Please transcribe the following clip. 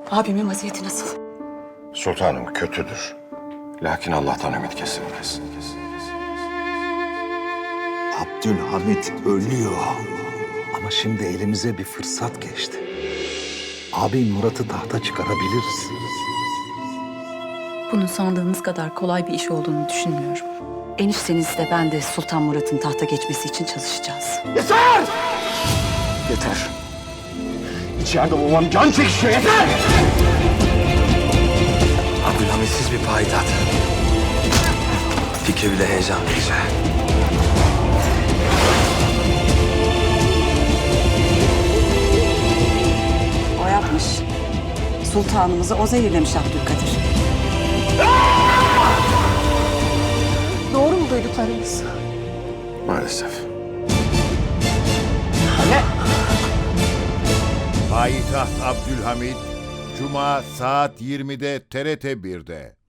Abimin vaziyeti nasıl? Sultanım kötüdür. Lakin Allah'tan ümit kesilmez. Abdülhamit ölüyor. Ama şimdi elimize bir fırsat geçti. Abim Murat'ı tahta çıkarabiliriz. Bunun sandığınız kadar kolay bir iş olduğunu düşünmüyorum. Enişteniz de ben de Sultan Murat'ın tahta geçmesi için çalışacağız. Yeter. İçeride babam can çekişiyor, yeter! Abdülhamitsiz bir payitaht. Fikri bile heyecan verici. O yapmış. Sultanımızı o zehirlemiş Abdülkadir. Doğru mu duyduklarınız? Maalesef. Payitaht Abdülhamit, Cuma saat 20'de TRT 1'de.